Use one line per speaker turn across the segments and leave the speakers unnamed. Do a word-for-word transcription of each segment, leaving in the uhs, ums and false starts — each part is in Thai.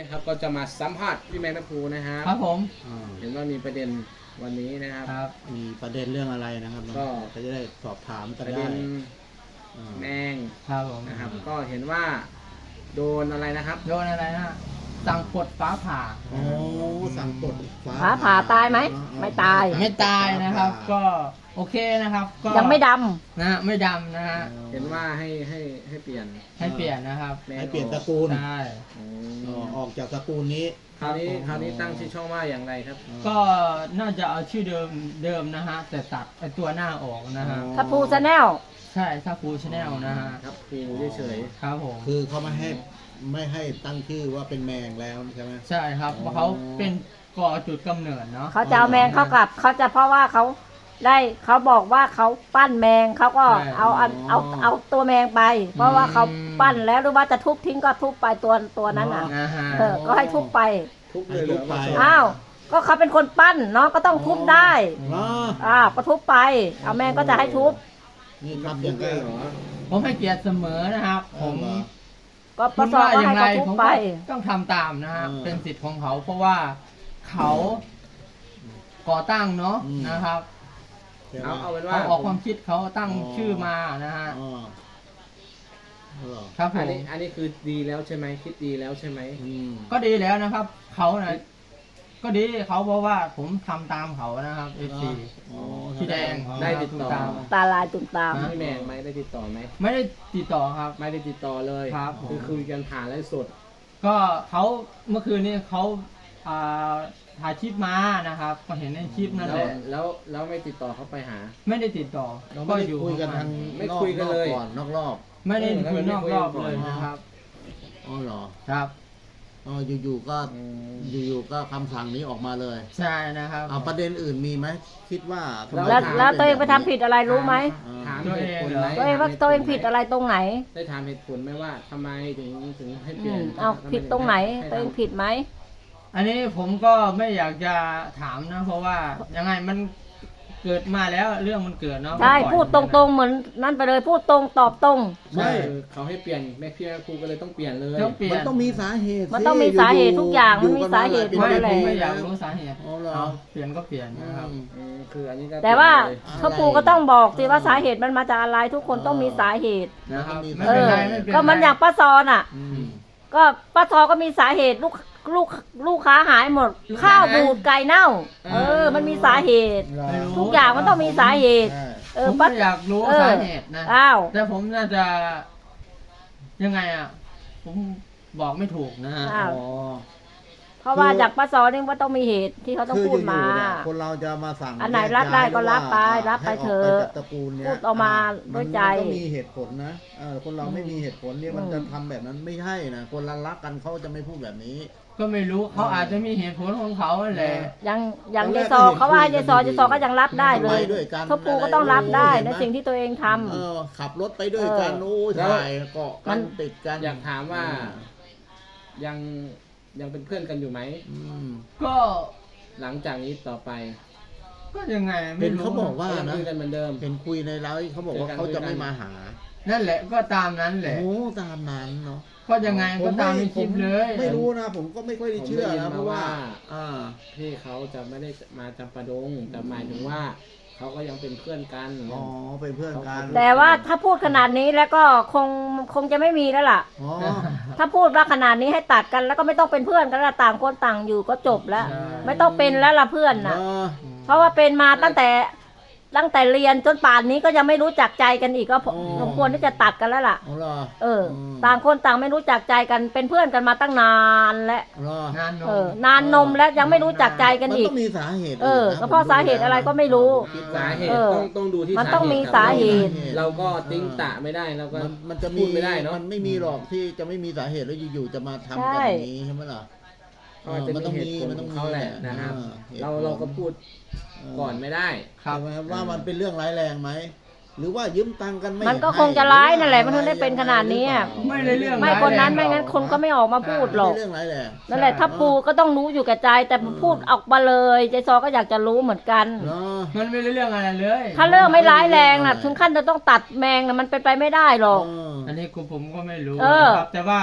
นะครับก็จะมาสัมภาษณ์พี่แมงทัพพูนะครับ
ครับผม
อ่า
เห็นว่ามีประเด็นวันนี้นะครับ
ครับ
มีประเด็นเรื่องอะไรนะครับ
ก็
ก็จะได้สอบถาม
ป
กัน
ระ
ได้
เด็น
อ่า
แมง
ครับผม
นะครับก็เห็นว่าโดนอะไรนะครับ
โดนอะไรนะสั่งปลดฟ้าผ่า
โอ้สั่งปลด
ฟ้าผ่าตายไหมไม่ตาย
ไม่ตายนะครับ ก็โอเคนะครับก็
ยังไม่ด
นะฮะไม่ดำนะฮะ
เห็นว่าให้ให้ให้เปลี่ยน
ให้เปลี่ยนนะครับ
แมง
ให้เปลี่ยน
อ
ต
อ
ระ
ก
กูล
ใช่
อื
อ๋อ
ม
ออกจากตระกูลนี้
คราวนี้
ครับผม
คราวนี้ตั้งชื่อช่องว่าอย่างไรครับ
ก็น่าจะเอาชื่อเดิมเดิมนะฮะแต่ตัดไอตัวหน้าออกนะฮะ
ำถ้าพูชาแนล
ใช่ถ้าฟูชแนลนะฮะ
ครับครูเฉย
ครับผม
คือเขาไม่ให้ไม่ให้ตั้งชื่อว่าเป็นแมงแล้วใช่ไหม
ใช่ครับเพราะเขาเป็นก่อจุดกำเนิดเนาะ
เขาจะเอาแมงเข้ากลับเขาจะเพราะว่าเขาได้เขาบอกว่าเขาปั้นแมงเขาก็เอาเอาเอาเอาตัวแมงไป เพราะว่าเขาปั้นแล้วหรือว่าจะทุบทิ้งก็ทุบไปตัวตัวนั้นอ่ะ
นะฮะ
เออก็ให้ทุบไป
ๆทุบเลยเหรอมาสอน
อ้าวก็เขาเป็นคนปั้นเนาะก็ต้องทุบได้
อ๋อ
อ้าวก็ทุบไป เอาแมงก็จะให้ทุบ
นี่
ทุ
ทำ
บ
อย่าง
เล
ไร
ยเหรอ
ผมให้เกียรติเสมอนะครับ ผม
เหรอ
ก็ป
คุ
ระ
ณ
สอ
ว่า
ก็
อย่า
ให้
งไร
เขาทุบ
ผม
ไป
ก็ต้องทำตามนะครับ
อืม
เป็นสิทธิ์ของเขาเพราะว่าเขาก่อตั้งเนาะ
อืม
นะครับ
ใช่ไหม
เอาเอาเป็นว่า
เขาออกความคิดเขาตั้ง
อ๋อ
ชื่อมานะฮะ
อ๋อเหรอ
ครับผ
อัน
ม
นี้อันนี้คือดีแล้วใช่ไหมคิดดีแล้วใช่ไหม
อืม
ก็ดีแล้วนะครับ เขานะก็ดีเขาเพราะว่าผมทำตามเขานะครับเอฟซี
อ๋อ
พี่แดง
ได้ติดต่อ
ตาม
ตาลายตุ่มตาม
ฮะ
พี่แมงไหมได้ติดต่อไหม
ไม่ได้ติดต่อครับ
ไม่ได้ติดต่อเลย
ครับผม
คือคุยกันผ่านไลฟ์สด
ก็เขาเมื่อคืนนี้เขาอ่าถ่ายคลิปมานะครับ ก็เห็นในคลิปนั่น
แล้
แห
ว
ละ
แล้วแล้วไม่ติดต่อเขาไปหา
ไม่ได้ติดต่อ
เราไม่ได้คุยกันทาง
ไม่
นอก
คุยกันเลย
ก่อนนอกรอบ
ไม่ได้คุยนอกรอบ
เออ
เลยนะครับ
อ๋อเหรอ
ครับ
อ๋ออยู่ๆก็
อืม
อยู่ๆก็คำสั่งนี้ออกมาเลย
ใช่นะครับ
เอาประเด็นอื่นมีไหมคิดว่าทำไม
แล้ว
ถาม
แล้วตัวเองไปทำผิดอะไรรู้ไหม
ถาม
ตัว
เห
เอง
ตุผล
เหรอ
ไหม
ตัวเองว่าตัวเองผิดอะไรตรงไหน
ได้ถามเหตุผลไหมว่าทำไมถึงถึงให้เป
อื
ลี่ยน
มเอาผิดตรงไหน ตัวเองผิดไหม
อันนี้ผมก็ไม่อยากจะถามนะ เพราะว่ายังไงมันเกิดมาแล้วเรื่องมันเกิดเนาะ
ใช่
ก็ปล่อย
พูดตรงๆเหมือนนั่นไปเลยพูดตรงตอบตรง
ไม่คือเขาให้เปลี่ยนแม่พี่แม่ครูก็เลยต้องเปลี่ยนเลย
ต้องเปลี่ย
มัน
น
ต้องมีสาเหตุ
มันต้องมีสาเหตุทุกอย่างมันมีสาเหตุ
อยู่
ไม่
กัน
หด
ผม
หล
ไม่
ปี
อยาก
แล้ว
รู้สาเหตุ
อ๋อเหรอ
เอาเปลี่ยนก็เปลี่ยนนะครับ
อืม
อืมคืออันนี้ก็
แต่ว่า
เปลี่ยนเลย
พ่อปู่ก็ต้องบอกสิว่าสาเหตุมันมาจากอะไรทุกคนต้องมีสาเหตุ
นะครับ
มี
ไม่
เอ
เป็น
อ
ไรไม่เป็นไร
ก็มันอย่างป้าซอนอ่ะ
อืม
ก็ป้าซอก็มีสาเหตุลูกลูกลูกค้าหายหมด ข้าวบูดไก่เน่า เออ มันมีสาเหตุ
ไม่รู้
ทุกอย่างมันต้องมีสาเหตุ
ใช่
เอ
ผ
อ
ม
ป้า
ไม่อยากรู้
เออ
สาเหตุนะ
อ้าว
แต่ผมน่าจะยังไงอ่ะ ผมบอกไม่ถูกนะฮะ
อ้าว
อ๋อ
เพราะว่าจากป้าซอนี่ว่าต้องมีเหตุที่เขาต้อง
คือ
พูดมา
อยู่ๆเนี่ยคนเราจะมาสั่ง
อันไหนรับได้ก็รับไป
แยกย้าย
รับไป
ให้
เถ
ก
อะ
จากตระกูลเนี่ย
พูดออกมาด้วยใจ
มันต้องมีเหตุผลนะเออคนเราไม่มีเหตุผลเนี่ยมัน
อืม
จะทำแบบนั้นไม่ใช่นะคนรักรักกันเขาจะไม่พูดแบบนี้
ก็ไม่รู้เขาอาจจะมีเหตุผลของเขาแหละ
ยังยัง
ตอนแร
ยาย
ก
ซอ
ก็เห็น
เขาว่า
คุยกัน
ยายซอ
ดีๆ
ยายซอก็ยังรับได้เลย
ทำไมด้วยกัน
พ่อปู่ก็ต้องรับได้
อะไร
ในสิ่งที่ตัวเองทำ
เออขับรถไปด้วยกัน
เออ
โอ้ย
แล้ว
ถ่ายเกาะ
มั
กัน
น
ติดกัน
อยากถามว่ายังยังเป็นเพื่อนกันอยู่ไหม
อืม
ก็
หลังจากนี้ต่อไป
ก็ยังไง
เห็
ไม่
น
รู้
เขาบอกว่า
ก็ยัง
นะ
คุยกันเหมือนเดิม
เห็นคุยในไลฟ์เขาบอกว่าเขาจะไม่มาหา
นั่นแหละก็ตามนั้นแหละ
โอ้ตามนั้นเนาะ
ก็ยังไงก็ตามในคลิปเลย
ไม่รู้นะ ผมก็ไม่ค่อยได้เชื่อ
ผมได้ยิน
นะ
มา
เพราะว่า
ว่า
อ่า
พี่เขาจะไม่ได้มาจำปาดงแต่หมายถึงว่าเขาก็ยังเป็นเพื่อนกัน
อ๋อเป็นเพื่อนกัน
แต่ว่าถ้าพูดขนาดนี้แล้วก็คงคงจะไม่มีแล้วล่ะ
อ๋อ
ถ้าพูดว่าขนาดนี้ให้ตัดกันแล้วก็ไม่ต้องเป็นเพื่อนกันละต่างคนต่างอยู่ก็จบแล้ว
ใช่
ไม่ต้องเป็นแล้วล่ะเพื่อน
เอ
นะ
อ
เพราะว่าเป็นมาตั้งแต่ตั้งแต่เรียนจนป่านนี้ก็ยังไม่รู้จักใจกันอีกก็พอสมควรที่จะตัดกันแล้วล่ะ
เอาเหรอ
เออ
ม
ต่างคนต่างไม่รู้จักใจกันเป็นเพื่อนกันมาตั้งนานแล้ว
เหรอง
านน
เอ
ม
อนานนมแล้วยังไม่รู้จักใจกัน
มัน
อีก
ต้องมีสาเหตุ
เออ
นะ
ก็เพราะสาเหตุอะไรก็ไม่รู้
คิด
สา
ว่า
เหตุ
เออ
ต้องต้องดูที่
มันต้องมีสาเหตุ
เราก็ติ้งตะไม่ได้เราก็
มันมันจะ
พู
มี
ดไม่ได้เนาะ
มันไม่มีหรอกที่จะไม่มีสาเหตุแล้วอยู่ๆจะมาทำกัน
ใช่
อย่างนี้ใช่ไหมล่ะ
เขาอาจจะ
มันต้
มี
อง
เหตุผล
มัน
ข
ต้
อ
อง
งเขาแหละ
มี
นะครับ
อ่าเหตุผล
เราเราก็พูดก่อนไม่ได้
ครับ
ใช่ไหมครับว่ามันเป็นเรื่องร้ายแรงไหมหรือว่ายืมตังค์กันไม่
มันก็
ให้
คงจะร้าย
รือว่
นั่นแหละมันถึงได้เป็นขนาดนี้อะ
ไม่ได้เรื่อง
ไม่คนนั้นไม่งั้นคนก็ไม่ออกมาพูดหรอก
ไม่เรื่องร้ายแรง
นั่นแหละถ้าปูก็ต้องรู้อยู่กับใจ แต่พูดออกมาเลยใจซอก็อยากจะรู้เหมือนกัน
เนาะ
มันไม่ได้เรื่องอะไรเลย
ถ้าเรื่องไม่ร้ายแรงน่ะ ถึงขั้นจะต้องตัดแมงน่ะมันเป็นไปไม่ได้หรอก
เออ
อันนี้กูผมก็ไม่รู้
เออ
นะครับแต่ว่า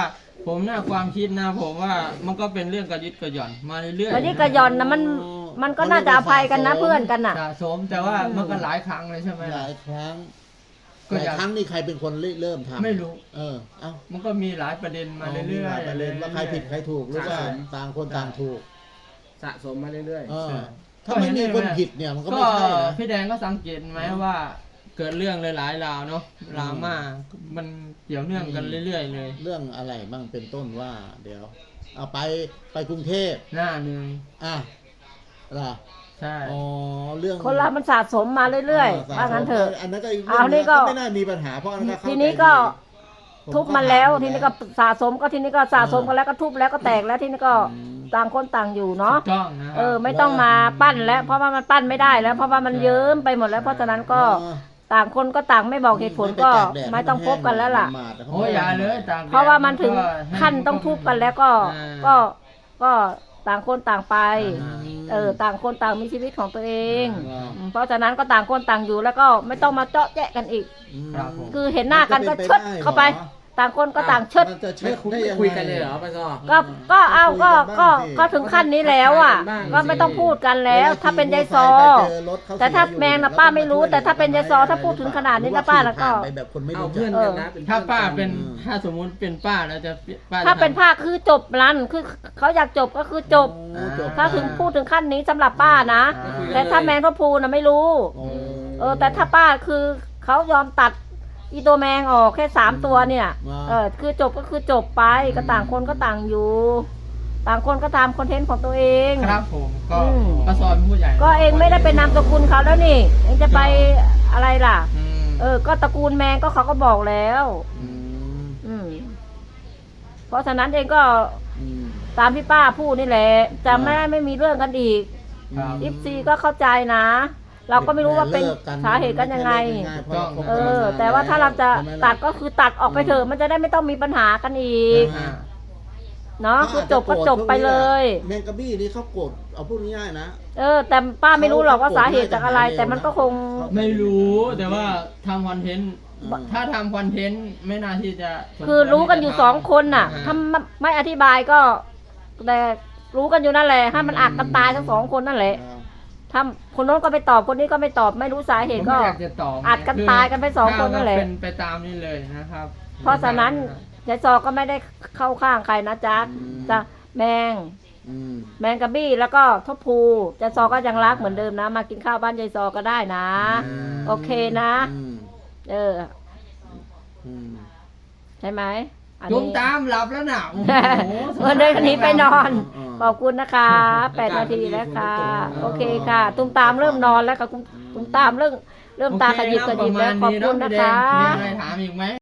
ผมน่าความคิดนะผมว่ามันก็เป็นเรื่องกระยิดกระหย่อนมาเรื่อยๆ
วันนี้กระยอนนะมันมันก็น่าจะอภัยกันนะเพื่อนกันน่ะ
สะสมแต่ว่ามันก็หลายครั้งเลยใช่ไหม
ห
ล่ะ
ลายครั้ง
ก็
หลาย
อยาก
ครั้งนี่ใครเป็นคนเริ่มทำ
ไม่รู้
เออเอ้า
มันก็มีหลายประเด็นมาเรื่อยๆ
ประเด็นว่าใครผิดใครถูกหรือว่าต่างคนต่างถูก
สะสมมาเรื่อย
เออถ้าไม่มีคนผิดเนี่ยมันก็
ก็
ไม่ใช่นะ
พี่แดงก็สังเกตไหมว่า เกิดเรื่องหลายๆราวเนาะดราม่ามันเกี่ยวเนื่องกันเรื่อยๆเลย
เรื่องอะไรบ้างเป็นต้นว่า เดี๋ยว เอาไปไปกรุงเทพ
หน้าหนึ่ง
อ่ะล่ะ
ใช่
อ๋อเรื่อง
คนเรามันสะสมมาเรื่อยๆว่างั้นเถอะ
อันนั้นก็อีก
เอา
เรื่อง
นี่ก็
ไม่น่ามีปัญหาเพราะอันนั้นก็เข้า
ทีนี้
ใจ
ก็
ดีผ
ทุบมันแล้ว
ถา
ทีนี้ก็สะสมก็ทีนี้ก็สะสมกันแล้วก็ทุบแล้วก็แตกแล้วทีนี้ก็
อืม
ต่างคนต่างอยู่เนาะ
ถูกต้องนะค
เอ
รับ
อไม่ต้องมาปั้นแล้ว เพราะว่ามันปั้นไม่ได้แล้ว เพราะว่ามันเยิ้มไปหมดแล้วเพราะฉะนั้นก็
เออ
ต่างคนก็ต่างไม่บอกเหตุผลก็ไม่ต้องพบกันแล้วล่ะ
โอ้ยอย่าเลยต่างแดด
เพราะว่ามันถึง
ก็ให้
ขั้นต้องทุบกันแล้วก็
อ่า
ก็ก็ต่างคนต่างไป
อ่า
เออต่างคนต่างมีชีวิตของตัวเอง
อ่า
อืมเพราะฉะนั้นก็ต่างคนต่างอยู่แล้วก็ไม่ต้องมาเจาะแจ๊ะกันอีก
ม
ครับผม
คือเห็นหน้ากันก็
มั
เชิด
นจะเป็นไปได้
เข้าไป
เหรอ
ต่างคนก็ต่างเชิด
มันจะ
ๆ
เช็
ไม่
ด
คุย
ได้
ไม่
ยังไง
คุยกันเลยเหรอป้าซอ
ก็ก็เอาก็ก็ก็
คุยกันบ้างสิ
ถึงขั้นนี้แล้วอ่ะ
บ้าง
ก็ไม่ต้องพูดกันแล้ว ถ้าเป็นยายซอ
เจอรถเข
แต่ถ้า
เสียอยู่
แมงน่ะป้าไม่รู้แต่ถ้าเป็นยายซอถ้าพูดถึงขนาดนี้นะป้าแล้วก็
ไปแบบคนไม่
เอา
รู้จั
เพื่อน
ก
กันนะเป็น
ถ้าป้า
พื่อ
เป็น
อืม
ถ้าสมมุติเป็นป้าแล้วจะป้าจะ
ถ้าเป็น
ทำ
ภาคคือจบรันคือเขาอยากจบก็คือจบ
โอ้จบ
ถ้าถึงพูดถึงขั้นนี้สำหรับป้านะ
อ่า
แต่ถ้าแมงทัพพูน่ะไม่รู้
โอ้
เออแต่ถ้าป้าคือเขายอมตัดอีตัวแมงออกแค่สามตัวเนี่ยเออคือจบก็คือจบไปก็ต่างคนก็ต่างอยู่ ต่างคนก็ตามคอนเทนต์ของตัวเอง
ครับผมก็
อืม
ป้าซอยเป็นผู้ใหญ่
ก็เองไม่ได้เป็นนามสกุลเขาแล้วนี่เองจะไปอะไรล่ะ
อืม
เออ ก็ตระกูลแมงก็เขาก็บอกแล้ว
อืม
อืมเพราะฉะนั้นเองก็
อืม
ตามที่ป้าพูดนี่แหละจะไม่ได้ไม่มีเรื่องกันอีก
ครับ
อิฟซีก็เข้าใจนะ เราก็ไม่รู้ว่าเป็น
ลิก
สาเหตุกันยังไง
ม่ใช่เรื่องง่ายๆเพราะราคบ
เอ
กันม
อ
นน
แต่ว่าถ้าเราจะ
ใช่ไหมล่
ตัดก็คือตัดออกไปเถอะมันจะได้ไม่ต้องมีปัญหากันอีก
อ่า
เนาะคือจบก็จบไปเลย
แมงกะบี้นี่เขาโกรธเอาพูดง่ายๆนะ
เออ แต่ป้าไม่รู้หรอกว่าสาเหตุจากอะไร แต่มันก็คง
ไม่รู้แต่ว่าทำคอนเทนต์
อืม
ถ้าทำคอนเทนต์ไม่น่าที่จะ
คือรู้กันอยู่สองคนน่ะ
อ่า
ถ้าไม่อธิบายก็ แต่รู้กันอยู่นั่นแหละให้มันอักกันตายทั้งสองคนนั่นแหละถ้าคนโน้นก็ไม่ตอบคนนี้ก็ไม่ตอบไม่รู้สาเห
ผม
ตุ
ไม่
ก็
อยากจะตอบ
อัดกันตายกันไปสองคนนั่นแหละ
เป็นไปตามนี้เลยนะครับ
เพราะฉะนั้นยายซอก็ไม่ได้เข้าข้างใครนะจ๊ะ
อืม
จะแมง
อืม
แมงกะบี้แล้วก็ทบพูยายซอก็ยังรักเหมือนเดิมนะ มากินข้าวบ้านยายซอก็ได้นะ โอเคนะ
อืม
เออ
อืม
ใช่ไหมอัน
จุ่ม
นี้
ตามหลับแล้วน่ะโอ้โห
เออเดินหนีไปนอน
อ่า
ขอบคุณนะคะแปดนาทีแล้วค่ะ โอเคค่ะ ตุ้มตามเริ่มนอนแล้วค่ะตุ้มตุ้มตามเริ่มเริ่มตาขยิบขยิบแล้วขอบคุณนะคะ
มีอะไรถามอีกไหม